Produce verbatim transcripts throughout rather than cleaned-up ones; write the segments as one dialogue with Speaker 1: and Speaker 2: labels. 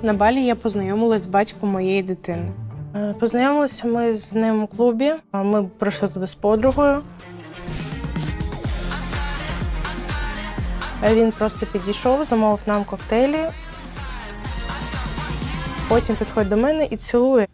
Speaker 1: На Балі я познайомилась з батьком моєї дитини. Е, Познайомилися ми з ним у клубі. а Ми прийшли туди з подругою. Е, Він просто підійшов, замовив нам коктейлі. Потім підходить до мене і цілує.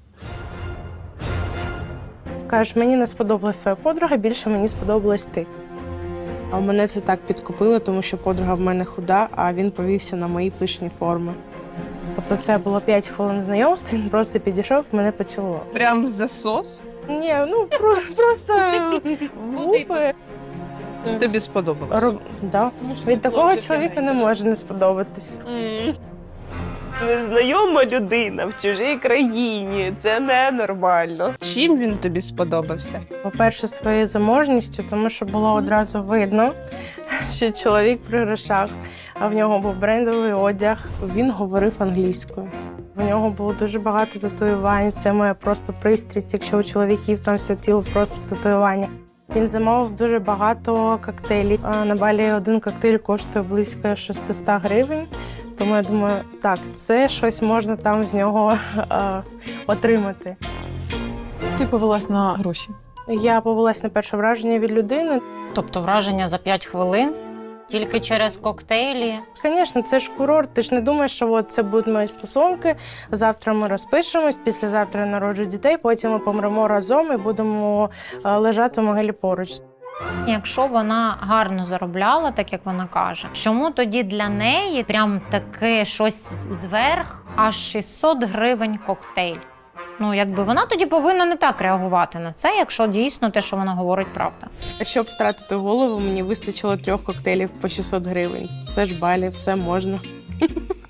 Speaker 1: Каже, мені не сподобалась твоя подруга, більше мені сподобалась ти. А мене це так підкупило, тому що подруга в мене худа, а він повівся на мої пишні форми. Тобто це було п'ять хвилин знайомства, він просто підійшов, мене поцілував.
Speaker 2: Прям засос?
Speaker 1: Ні, ну про, просто в губи.
Speaker 2: Тобі сподобалось?
Speaker 1: Роб... Да. Від такого чоловіка не може не сподобатись.
Speaker 3: Незнайома людина в чужій країні. Це ненормально.
Speaker 2: Чим він тобі сподобався?
Speaker 1: По-перше, своєю заможністю, тому що було одразу видно, що чоловік при грошах, а в нього був брендовий одяг. Він говорив англійською. В нього було дуже багато татуювань. Це моя просто пристрість, якщо у чоловіків там все тіло просто в татуюванні. Він замовив дуже багато коктейлів. А на Балі один коктейль коштує близько шістсот гривень. Тому я думаю, так, це щось можна там з нього е, отримати.
Speaker 4: Ти повелась на гроші.
Speaker 1: Я повелась на перше враження від людини.
Speaker 5: Тобто враження за п'ять хвилин, тільки через коктейлі.
Speaker 1: Звісно, це ж курорт. Ти ж не думаєш, що от це будуть мої стосунки. Завтра ми розпишемось, післязавтра я народжу дітей, потім ми помремо разом і будемо е, лежати в могилі поруч.
Speaker 5: Якщо вона гарно заробляла, так як вона каже, чому тоді для неї прям таке щось зверх, аж шістсот гривень коктейль? Ну, якби вона тоді повинна не так реагувати на це, якщо дійсно те, що вона говорить, правда.
Speaker 1: Щоб втратити голову, мені вистачило трьох коктейлів по шістсот гривень. Це ж Балі, все можна.